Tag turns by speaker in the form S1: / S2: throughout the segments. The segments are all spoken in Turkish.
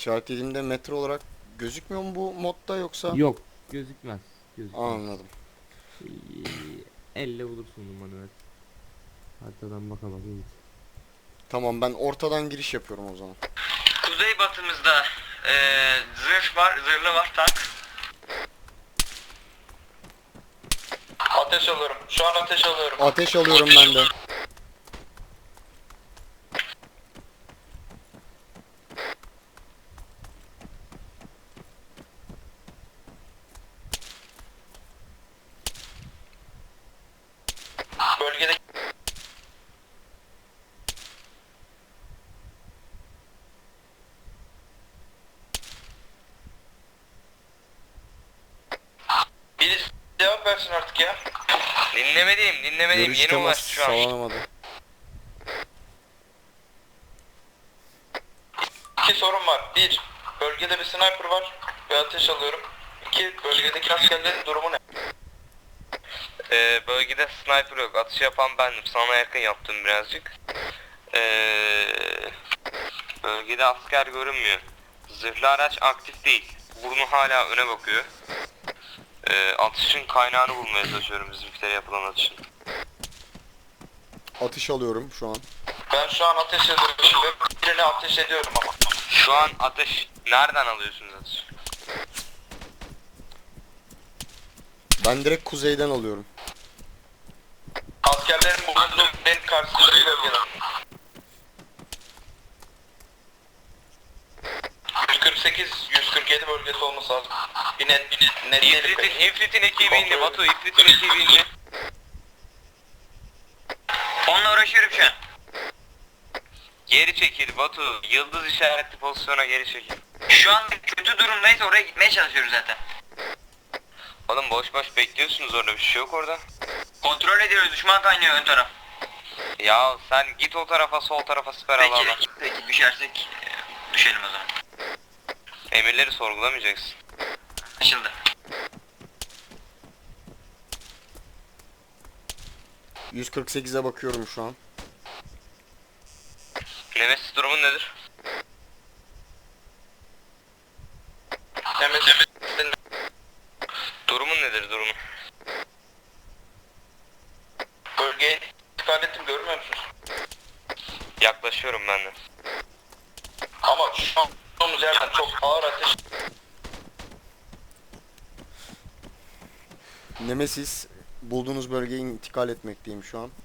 S1: İşaretlediğimde metre olarak gözükmüyor mu bu modda yoksa?
S2: Yok, gözükmez. Gözükmez.
S1: Anladım.
S2: Elle bulursun numaranı, evet. Haritadan baka git.
S1: Tamam, ben ortadan giriş yapıyorum o zaman.
S3: Kuzey batımızda zırh var, zırhlı var tank. Ateş alıyorum. Şu an ateş alıyorum.
S1: Ateş alıyorum ben de.
S3: Bölgede birisi cevap versin artık ya. Dinlemediğim.
S1: Görüş
S3: Yeni
S1: temas
S3: ulaştı şu an.
S1: sağlanamadı.
S3: İki sorun var. Bir, bölgede bir sniper var ve ateş alıyorum. İki, bölgedeki askerlerin durumu ne? Bölgede sniper yok. Atış yapan bendim. Sana yakın yaptım birazcık. Bölgede asker görünmüyor. Zırhlı araç aktif değil. Burnu hala öne bakıyor. Atışın kaynağını bulmaya çalışıyorum, bizimkilere yapılan atışın.
S1: Atış alıyorum şu an.
S3: Ben şu an ateş ediyorum ve birine ateş ediyorum ama. Şu an ateş, nereden alıyorsunuz ateş?
S1: Ben direkt kuzeyden alıyorum.
S3: Askerlerin bulunduğu en karşısında bir bölgede. 148-147 bölgesi olması lazım. Bir net İfrit'in ekibi indi Batu, İfrit'in ekibi indi. Onunla uğraşıyorum şu an. Geri çekil Batu, yıldız işaretli pozisyona geri çekil. Şu an kötü durumdayız, oraya gitmeye çalışıyoruz zaten. Oğlum boş bekliyorsunuz, orada bir şey yok orada. Kontrol ediyoruz, düşman kaynıyor ön taraf. Ya sen git o tarafa, sol tarafa siper al. Peki düşersek düşelim o zaman. Emirleri sorgulamayacaksın. Anlaşıldı.
S1: 148'e bakıyorum şu an.
S3: Nemesis durumun nedir? Nemesis durumun nedir durumun? Bölgeye intikal ettim, görmüyor musunuz? Yaklaşıyorum ben de. Ama şu an olduğumuz yerden çok ağır ateş.
S1: Nemesis, bulduğunuz bölgeye intikal etmekteyim şu an.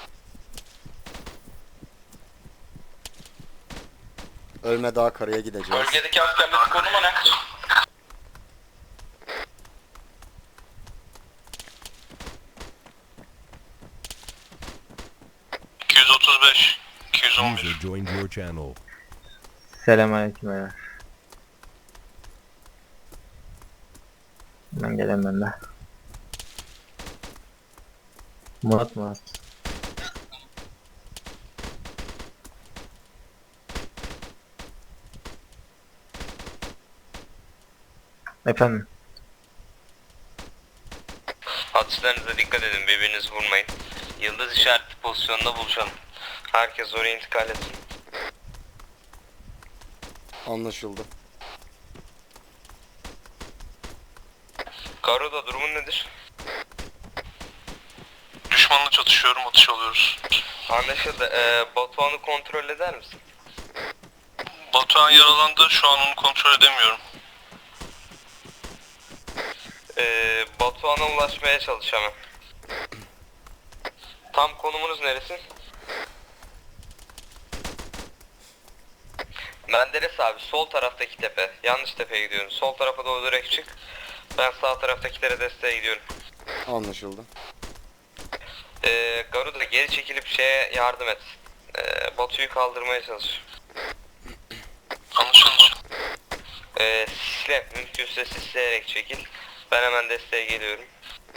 S1: Ölme Dağ Kara'ya gideceğiz.
S3: Bölgedeki askerlerin konumu ne?
S4: User joined your channel.
S5: Selamünaleyküm beyler. Ben gelemem de. Murat. Efendim.
S3: Atışlarınıza dikkat edin, birbirinizi vurmayın. Yıldız işaretli pozisyonda buluşalım. Herkes oraya intikal etsin.
S1: Anlaşıldı.
S3: Garuda durumun nedir?
S6: Düşmanla çatışıyorum, atış alıyoruz.
S3: Anlaşıldı. Batuhan'ı kontrol eder misin?
S6: Batuhan yaralandı, şu an onu kontrol edemiyorum.
S3: Batuhan'a ulaşmaya çalış hemen. Tam konumunuz neresi? Menderes abi, sol taraftaki tepe. Yanlış tepeye gidiyorum. Sol tarafa doğru direkt çık. Ben sağ taraftakilere desteğe gidiyorum.
S1: Anlaşıldı.
S3: Garuda geri çekilip şeye yardım et. Batu'yu kaldırmaya çalış.
S6: Anlaşıldı.
S3: Sisle, mümkünse sisleyerek çekil. Ben hemen desteğe geliyorum.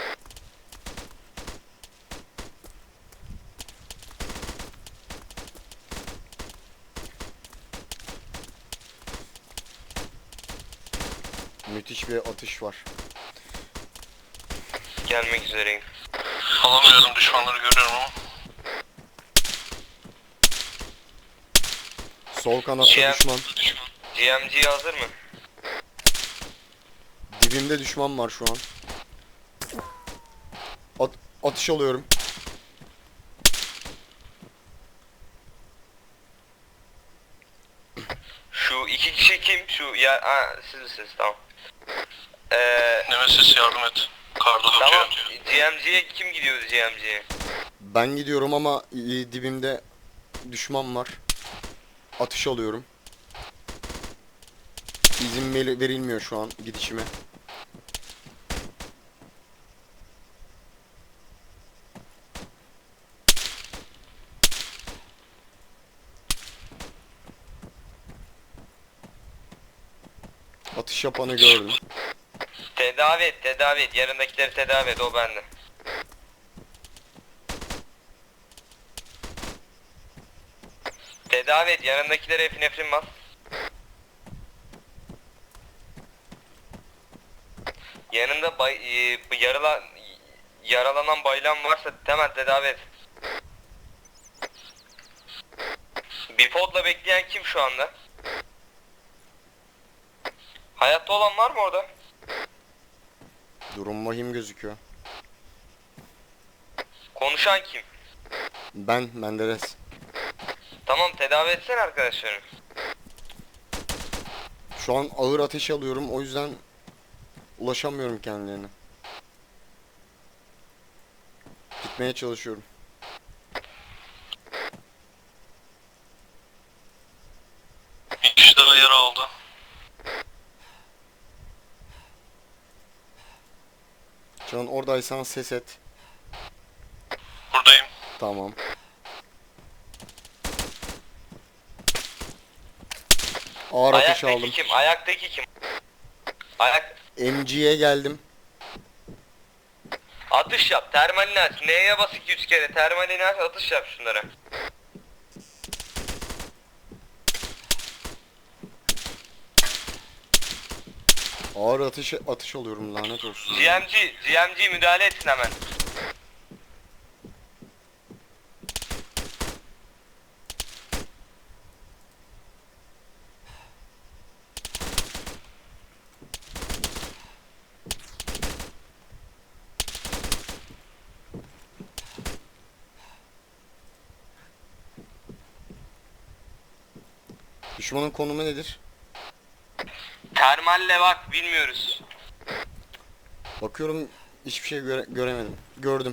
S1: Müthiş bir atış var.
S3: Gelmek üzereyim.
S6: Alamıyorum, düşmanları görüyorum ama.
S1: Sol kanatta
S3: Cihan.
S1: düşman.
S3: GMG hazır mı?
S1: Dibimde düşman var şu an. Atış alıyorum.
S3: Şu iki kişi kim? Şu ya siz misiniz? Tamam.
S6: Nemesis yardım et. Karda
S3: Tamam.
S6: tutuyor.
S3: GMG'ye kim gidiyordu GMG'ye?
S1: Ben gidiyorum ama dibimde düşman var. Atış alıyorum. İzin verilmiyor şu an gidişime. Atış yapanı gördüm.
S3: Tedavi et, tedavi et. Yanındakileri tedavi et, o bende. Tedavi et, yanındakilere epinefrin bas. Yanında yaralanan baylan varsa hemen tedavi et. Bipod'la bekleyen kim şu anda? Hayatta olan var mı orada?
S1: Durum vahim gözüküyor.
S3: Konuşan kim?
S1: Ben Menderes.
S3: Tamam, tedavi etsene arkadaşlarını.
S1: Şu an ağır ateş alıyorum, o yüzden ulaşamıyorum kendilerine. Gitmeye çalışıyorum.
S6: Bir kişi daha yara aldı.
S1: Can oradaysan ses et.
S6: Buradayım.
S1: Tamam. Ağır ateş
S3: Ayaktaki
S1: aldım.
S3: kim? Ayaktaki kim?
S1: MG'ye geldim.
S3: Atış yap. Termalini aç. N'ye bas 2-3 kere. Termalini aç, atış yap şunlara.
S1: Ağır atış alıyorum, lanet olsun.
S3: GMG müdahale etsin hemen.
S1: Düşmanın konumu nedir?
S3: Termalle bak, bilmiyoruz.
S1: Bakıyorum, hiçbir şey göremedim. Gördüm.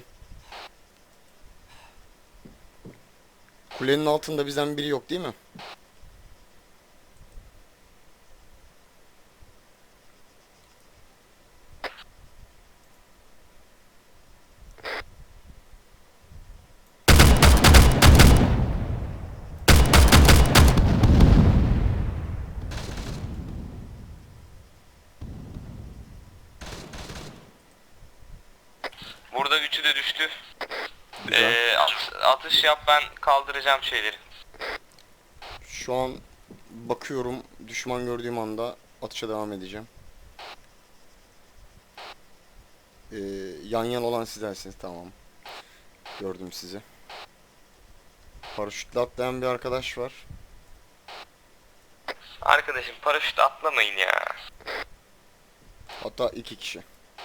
S1: Kulenin altında bizden biri yok değil mi?
S3: Burada üçü de düştü.
S1: Güzel.
S3: Atış yap, ben kaldıracağım şeyleri.
S1: Şu an bakıyorum, düşman gördüğüm anda atışa devam edeceğim. Yan yan olan sizlersiniz, tamam. Gördüm sizi. Paraşütle atlayan bir arkadaş var.
S3: Arkadaşım, paraşüt atlamayın ya.
S1: Hatta 2 kişi.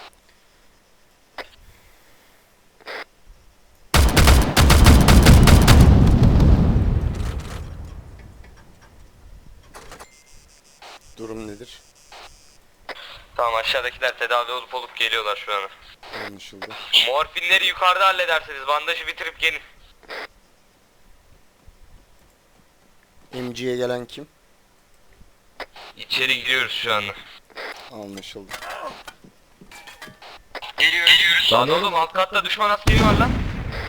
S1: Durum nedir?
S3: Tamam, aşağıdakiler tedavi olup geliyorlar şu an.
S1: Anlaşıldı.
S3: Morfinleri yukarıda halledersiniz. Bandajı bitirip gelin.
S1: MG'ye gelen kim?
S3: İçeri giriyoruz şu anda.
S1: Anlaşıldı.
S3: Geliyoruz. Lan oğlum, alt katta düşman askeri var lan.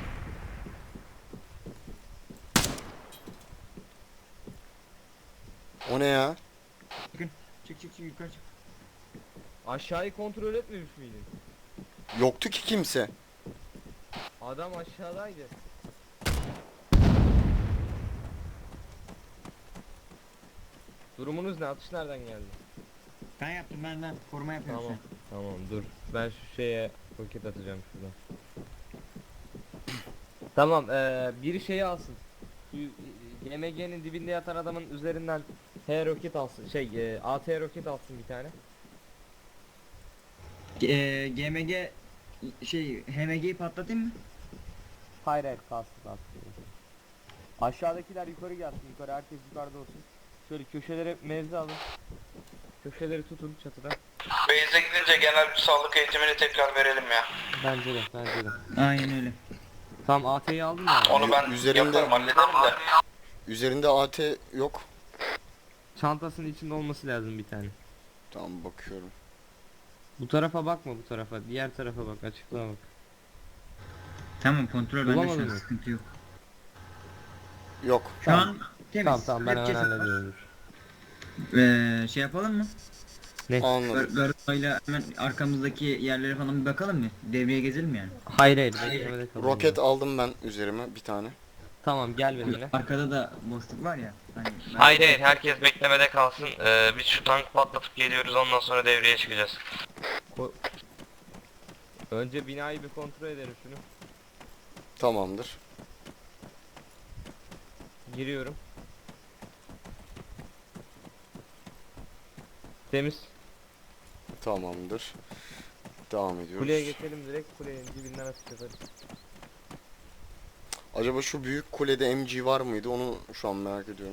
S1: O ne ya?
S7: Çık yukarı çık.
S2: Aşağıyı kontrol etmemiş miydin?
S1: Yoktu ki kimse.
S2: Adam aşağıdaydı. Durumunuz ne? Atış nereden geldi?
S7: Ben yaptım, ben koruma yapıyorum
S2: Tamam. Tamam dur. Ben şu şeye roket atacağım şuradan. Tamam, biri şeyi alsın. Şu YMG'nin dibinde yatan adamın üzerinden H roket alsın. AT roket alsın bir tane.
S7: GMG HMG'yi patlatayım mı?
S2: Hayır hayır kalsın. Aşağıdakiler yukarı gelsin. Yukarı herkes yukarıda olsun. Şöyle köşelere mevzi alın. Köşeleri tutun çatıda.
S6: Base'e gidince genel bir sağlık eğitimini tekrar verelim ya.
S2: Bence de.
S7: Aynen öyle.
S2: Tamam AT'yi aldın mı?
S6: Onu ben
S1: Üzerinde-
S6: yaparım, hallederim de.
S1: Üzerinde AT yok.
S2: Çantasının içinde olması lazım bir tane.
S1: Tamam bakıyorum.
S2: Bu tarafa bakma bu tarafa. Diğer tarafa bak. Açıklığa bak.
S7: Tamam kontrol bende şu
S2: Bulamadın
S7: an
S2: mı?
S7: sıkıntı yok.
S1: Yok.
S7: Şu an temiz.
S2: Tamam ben hemen
S7: Herkes-
S2: hallediyorum.
S7: Şey yapalım mı?
S1: Anladım.
S7: Garayla hemen arkamızdaki yerlere falan bir bakalım mı? Devreye gezelim yani.
S2: Hayır beklemede kalın.
S1: Roket aldım ben üzerime bir tane.
S2: Tamam gel benimle.
S7: Arkada da boşluk var ya. Hani
S3: Hayır herkes beklemede kalsın. Biz şu tank patlatıp geliyoruz, ondan sonra devreye çıkacağız.
S2: Önce binayı bir kontrol edelim şunu.
S1: Tamamdır.
S2: Giriyorum. Temiz.
S1: Tamamdır. Devam ediyoruz.
S2: Kuleye geçelim direkt. Kulenin dibinden atış yaparız.
S1: Acaba şu büyük kulede MG var mıydı? Onu şu an merak ediyorum.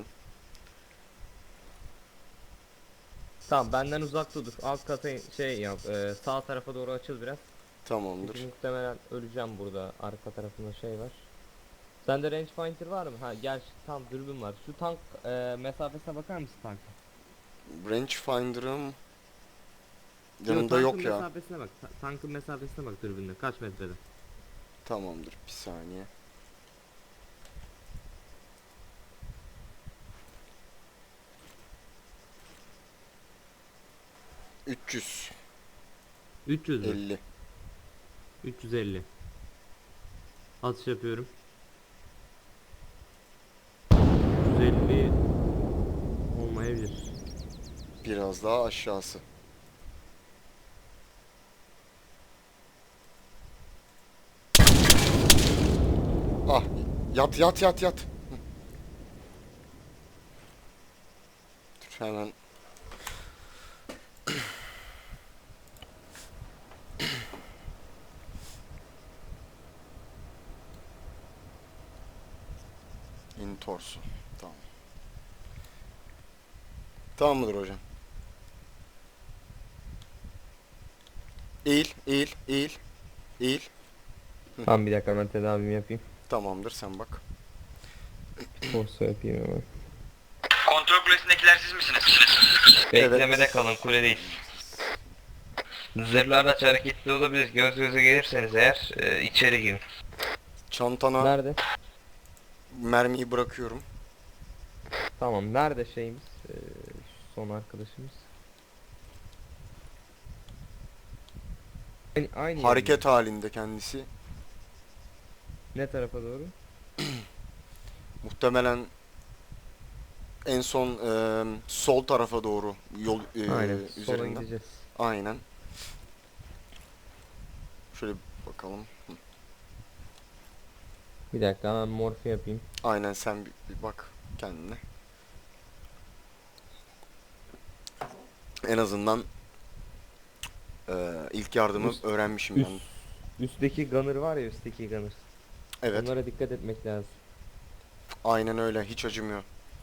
S2: Tamam benden uzakta dur. Alt kata yap. Sağ tarafa doğru açıl biraz.
S1: Tamamdır.
S2: Çünkü muhtemelen öleceğim burada. Arka tarafında şey var. Sende rangefinder var mı? Ha gel tam dürbün var. Şu tank mesafesine bakar mısın tanka?
S1: Rangefinder'ım
S2: Yok,
S1: yanımda
S2: tankın
S1: yok ya.
S2: mesafesine bak. Tankın mesafesine bak dürbünle. Kaç metrede?
S1: Tamamdır. Bir saniye. ...350.
S2: 300 mü? 350. Atış yapıyorum. 350 olmayabilir.
S1: Biraz daha aşağısı. Ah, yat. Hı. Dur hemen. İn torsu. Tamam. Tamam mıdır hocam? Eğil.
S2: Tamam bir dakika ben tedavimi yapayım.
S1: Tamamdır, sen bak.
S2: Torso yapayım hemen.
S3: Kontrol kulesindekiler siz misiniz? Beklemede kalın, kule değil. Zırhlar da hareketli olabilir. Göz göze gelirseniz eğer içeri girin.
S1: Çantana
S2: Nerede?
S1: mermiyi bırakıyorum.
S2: Tamam nerede şeyimiz? Son arkadaşımız. Aynı
S1: Hareket halinde kendisi.
S2: Ne tarafa doğru?
S1: Muhtemelen en son sol tarafa doğru yol
S2: Aynen. Sola
S1: üzerinden.
S2: gideceğiz.
S1: Aynen. Şöyle bir bakalım. Hı.
S2: Bir dakika hemen morfi yapayım.
S1: Aynen, sen bir bak kendine. En azından ilk yardımı
S2: Üst-
S1: öğrenmişim
S2: üst-
S1: ben.
S2: Üstteki gunner var ya üstteki gunner.
S1: Evet.
S2: Onlara dikkat etmek lazım.
S1: Aynen öyle. Hiç acımıyor.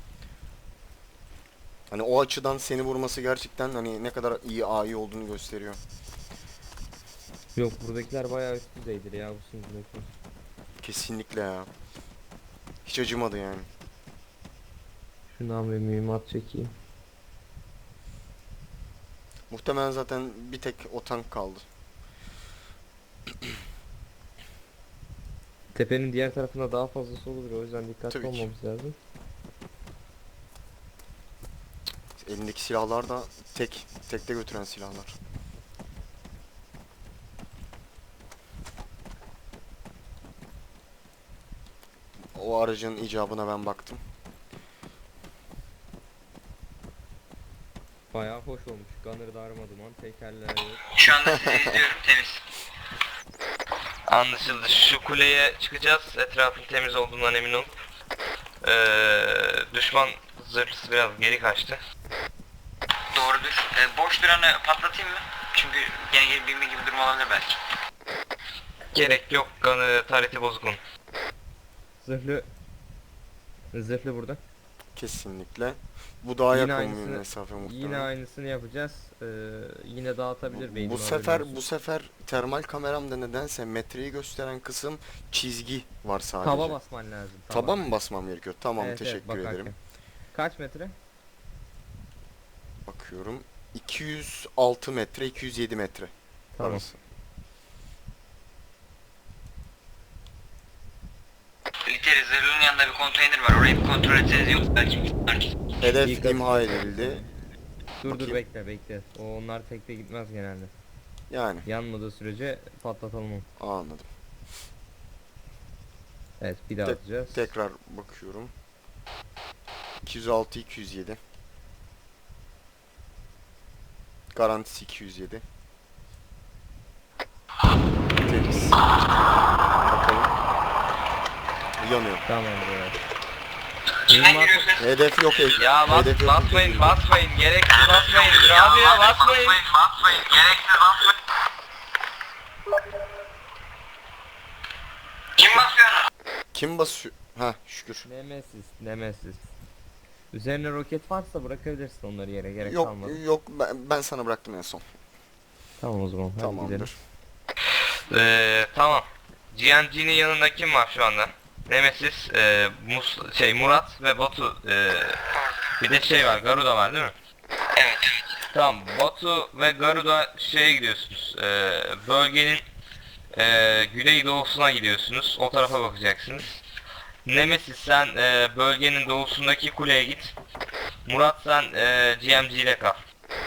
S1: Hani o açıdan seni vurması gerçekten hani ne kadar iyi AI olduğunu gösteriyor.
S2: Yok buradakiler bayağı üst düzeydir ya bu sunucudaki.
S1: Kesinlikle ya. Hiç acımadı yani.
S2: Şundan bir mühimmat çekeyim.
S1: Muhtemelen zaten bir tek o tank kaldı.
S2: Tepenin diğer tarafında daha fazlası olur o yüzden dikkatli
S1: Tabii ki.
S2: olmamız lazım.
S1: Elindeki silahlar da tekte götüren silahlar. O aracın icabına ben baktım.
S2: Bayağı hoş olmuş. Gunner darmaduman, tekerler yok.
S3: Şu anda sizi izliyorum, temiz. Anlaşıldı. Şu kuleye çıkacağız. Etrafın temiz olduğundan emin ol. Düşman Zırhlısı biraz geri kaçtı. Doğrudur. Boş duranı patlatayım mı? Çünkü gene gelip binme gibi durum olabilir belki. Gerek yok. Tarihte bozukun.
S2: Zırhlı burada.
S1: Kesinlikle. Bu daha
S2: Yine
S1: yakın bir
S2: aynısını-
S1: mesafe muhtemelen.
S2: Yine aynısını yapacağız. Yine dağıtabilir beyni.
S1: Bu sefer termal kameramda nedense metreyi gösteren kısım çizgi var sadece.
S2: Taba basman lazım.
S1: Taba mı basmam gerekiyor? Tamam,
S2: Evet, evet,
S1: teşekkür
S2: bakarken.
S1: ederim.
S2: Kaç metre?
S1: Bakıyorum. 206 metre, 207 metre
S2: Tamam.
S1: arası.
S3: Literi zırhlının yanında bir konteyner var. Orayı bir kontrol etseniz yok belki.
S1: Hedef
S2: İyi
S1: imha edildi.
S2: Dur
S1: Bakayım.
S2: bekle. Onlar tekte gitmez genelde.
S1: Yani
S2: Yanmadığı sürece patlatalım onu.
S1: anladım.
S2: Evet bir daha atacağız.
S1: Tekrar bakıyorum. 206, 207. Garantisi 207. Temiz. Bakalım. Yanıyor.
S2: Tamam böyle.
S3: Kimden giriyorsun?
S1: Hedef yok.
S3: Ya
S1: hedef yok.
S3: basmayın. Gereksiz basmayın. Rabia basmayın. Basmayın. Gereksiz basmayın. Kim basıyor?
S1: Kim basıyor? Ha, şükür.
S2: Nemesis. Üzerine roket varsa bırakabilirsin onları yere, gerek
S1: Yok
S2: kalmadı.
S1: yok, ben sana bıraktım en son.
S2: Tamam o zaman hadi gidelim.
S1: Tamamdır.
S3: Tamam. GNG'nin yanında kim var şu anda? Nemesis, Murat ve Batu. Bir de şey var, Garuda var değil mi? Evet. Tamam, Batu ve Garuda şeye gidiyorsunuz. Bölgenin güneydoğusuna gidiyorsunuz. O tarafa bakacaksınız. Nemesis sen bölgenin doğusundaki kuleye git. Murat sen GMG ile kal.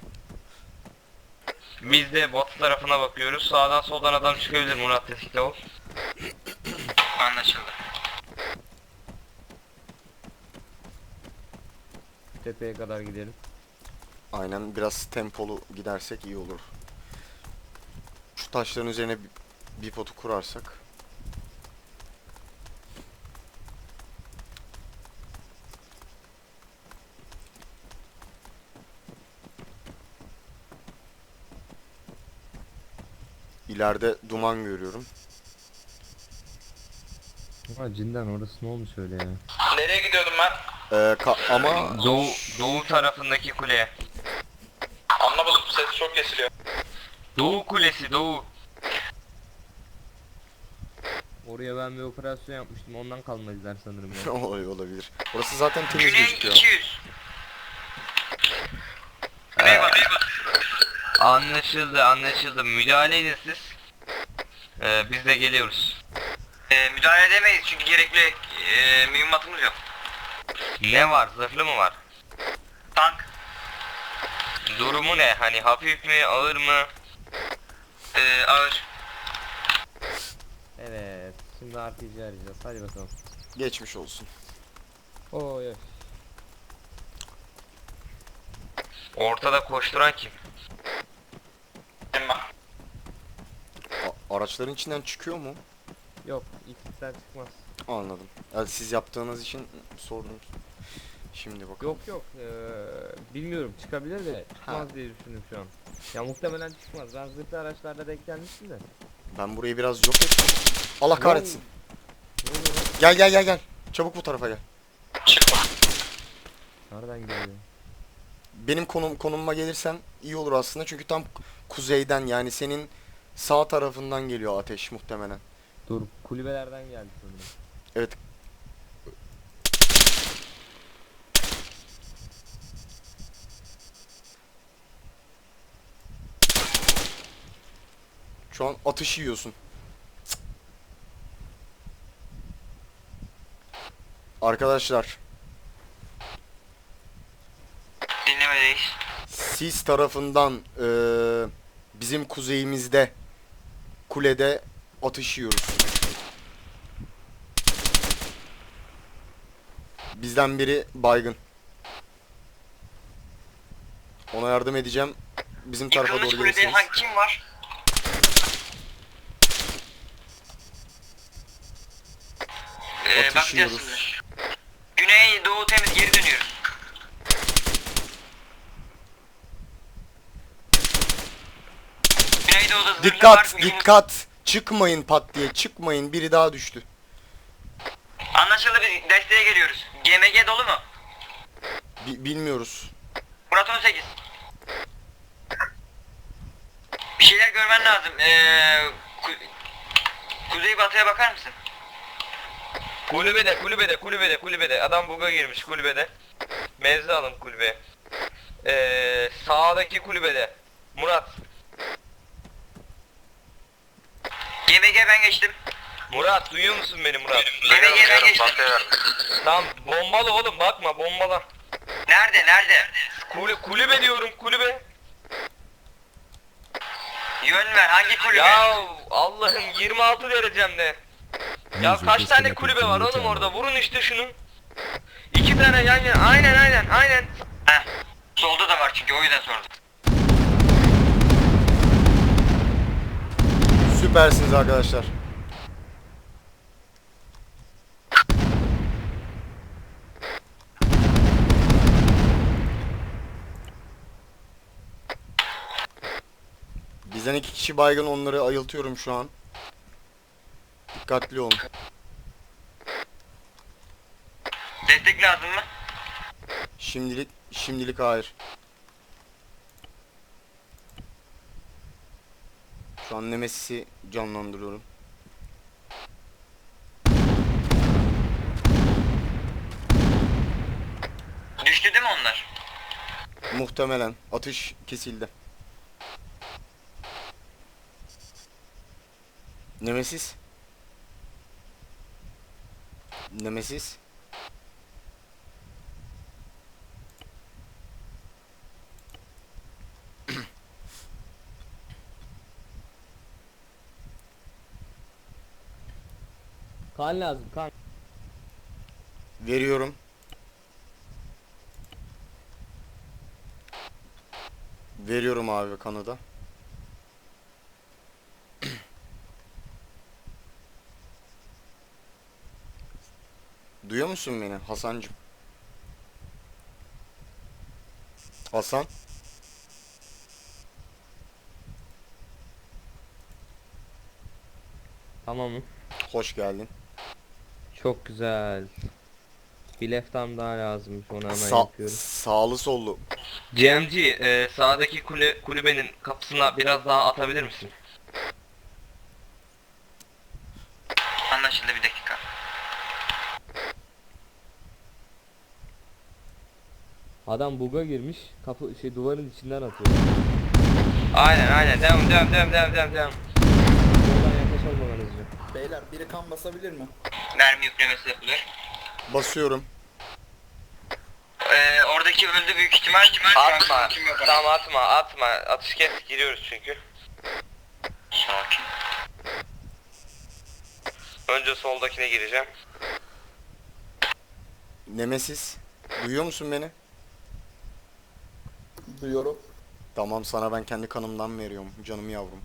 S3: Biz de Batu tarafına bakıyoruz. Sağdan soldan adam çıkabilir, Murat tetikte ol. Anlaşıldı.
S2: Tepeye kadar gidelim.
S1: Aynen, biraz tempolu gidersek iyi olur. Şu taşların üzerine bir potu kurarsak. İleride duman görüyorum.
S2: Ha cidden orası ne olmuş öyle ya?
S3: Nereye gidiyordum ben?
S1: Ama
S3: Doğu tarafındaki kuleye.
S6: Anlamadım, ses çok kesiliyor.
S3: Doğu kulesi, doğu.
S2: Oraya ben bir operasyon yapmıştım, ondan kalmadılar sanırım ya.
S1: olabilir. Orası zaten temiz
S3: Güney
S1: gözüküyor.
S3: 200. Anlaşıldı. Müdahale edin siz. Biz de geliyoruz. Müdahale edemeyiz çünkü gerekli mühimmatımız yok. Ne var? Zırhlı mı var? Tank. Durumu ne? Hani hafif mi? Ağır mı? Ağır.
S2: Evet, şimdi RPG arayacağız, hadi bakalım.
S1: Geçmiş olsun.
S2: Oy.
S3: Ortada koşturan kim?
S1: Araçların içinden çıkıyor mu?
S2: Yok, X'den çıkmaz.
S1: Anladım. Yani siz yaptığınız için sordum. Şimdi bakalım.
S2: Yok, bilmiyorum, çıkabilir de çıkmaz diye düşündüm şu an. Ya muhtemelen çıkmaz, ben zırhlı araçlarda denk gelmiştim de.
S1: Ben burayı biraz yok ettim. Allah kahretsin.
S2: Ne oluyor lan?
S1: Gel. Çabuk bu tarafa gel.
S2: Nereden geliyor?
S1: Benim konumuma gelirsen iyi olur aslında, çünkü tam kuzeyden, yani senin sağ tarafından geliyor ateş muhtemelen.
S2: Dur, kulübelerden geldi sanırım.
S1: Evet. Şu an atış yiyorsun. Arkadaşlar,
S3: Dinlemedeyiz.
S1: sis tarafından bizim kuzeyimizde kulede atış yiyoruz. Bizden biri baygın. Ona yardım edeceğim. Bizim tarafa
S3: Yıkılmış
S1: doğru
S3: kulede
S1: gelirsiniz.
S3: kim var?
S1: Atış
S3: Bakacağız
S1: yiyoruz.
S3: şimdi. Güney doğu temiz, geri dönüyoruz.
S1: Dikkat, dikkat. Çıkmayın pat diye, çıkmayın. Biri daha düştü.
S3: Anlaşıldı, biz desteğe geliyoruz. GMG dolu mu?
S1: Bilmiyoruz.
S3: Murat 18. Bir şeyler görmen lazım. Kuzey batıya bakar mısın?
S2: Kulübede. Adam buga girmiş kulübede. Mevzi alın kulübeye. Sağdaki kulübede. Murat.
S3: GMG ben geçtim.
S2: Murat duyuyor musun beni Murat?
S3: GMG ben geçtim.
S2: Tamam bombalı oğlum bakma bombala.
S3: Nerede?
S2: Kulübe diyorum kulübe.
S3: Yön ver, hangi kulübe?
S2: Ya Allah'ım 26 derecemde. Ya
S4: User
S2: kaç tane
S4: disconnected
S2: kulübe
S4: from
S2: var
S4: your
S2: oğlum
S4: channel.
S2: orada vurun işte şunu. 2 tane yan yana aynen.
S3: Heh. Solda da var çünkü, o yüzden sordum.
S1: Süpersiniz arkadaşlar. Bizden 2 kişi baygın, onları ayıltıyorum şu an. Dikkatli olun.
S3: Destek lazım mı?
S1: Şimdilik hayır. Şu an Nemesis'i canlandırıyorum.
S3: Düştü değil mi onlar?
S1: Muhtemelen atış kesildi. Nemesis.
S2: Kan lazım kan.
S1: Veriyorum. Veriyorum abi kanı da. Duyuyor musun beni Hasancım? Hasan?
S2: Tamam mı?
S1: Hoş geldin.
S2: Çok güzel. Bir leftam daha lazımmış onu hemen
S1: Sa
S2: yapıyorum.
S1: sağlı sollu.
S2: GMG sağdaki kulübenin kapısına biraz daha atabilir misin?
S3: Anlaşıldı, bir dakika.
S2: Adam buga girmiş, duvarın içinden atıyor. Aynen. Devam. Oradan yaklaşamamanızca.
S8: Beyler biri kan basabilir mi?
S3: Mermi yüklemesi yapılıyor.
S1: Basıyorum.
S3: Oradaki öldü büyük ihtimal.
S2: Atma. Tamam atma. Atış kes giriyoruz çünkü.
S3: Sakin.
S2: Önce soldakine gireceğim.
S1: Nemesis. Duyuyor musun beni?
S8: Duyuyorum.
S1: Tamam, sana ben kendi kanımdan veriyorum canım yavrum.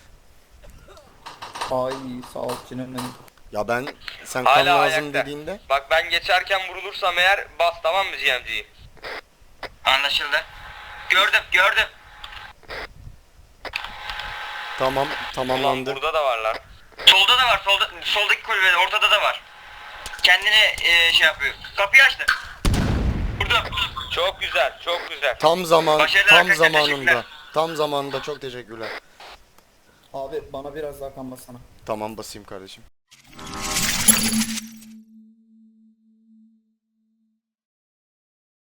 S8: Ay sağ ol canım benim.
S1: Ya ben sen
S2: Hala
S1: kan lazım
S2: ayakta.
S1: dediğinde
S2: Bak ben geçerken vurulursam eğer bas tamam mı GMG'yi?
S3: Anlaşıldı. Gördüm.
S1: tamam
S2: Ulan
S1: tamamlandı.
S2: burada da varlar.
S3: Solda da var, soldaki kulübede, ortada da var. Kendini şey yapıyor. Kapıyı açtı. Burada.
S2: Çok güzel.
S1: Tam
S3: Başarılar arkadaşlar,
S1: zamanında.
S3: teşekkürler.
S1: Tam zamanında, çok teşekkürler.
S8: Abi bana biraz daha kan bassana.
S1: Tamam, basayım kardeşim.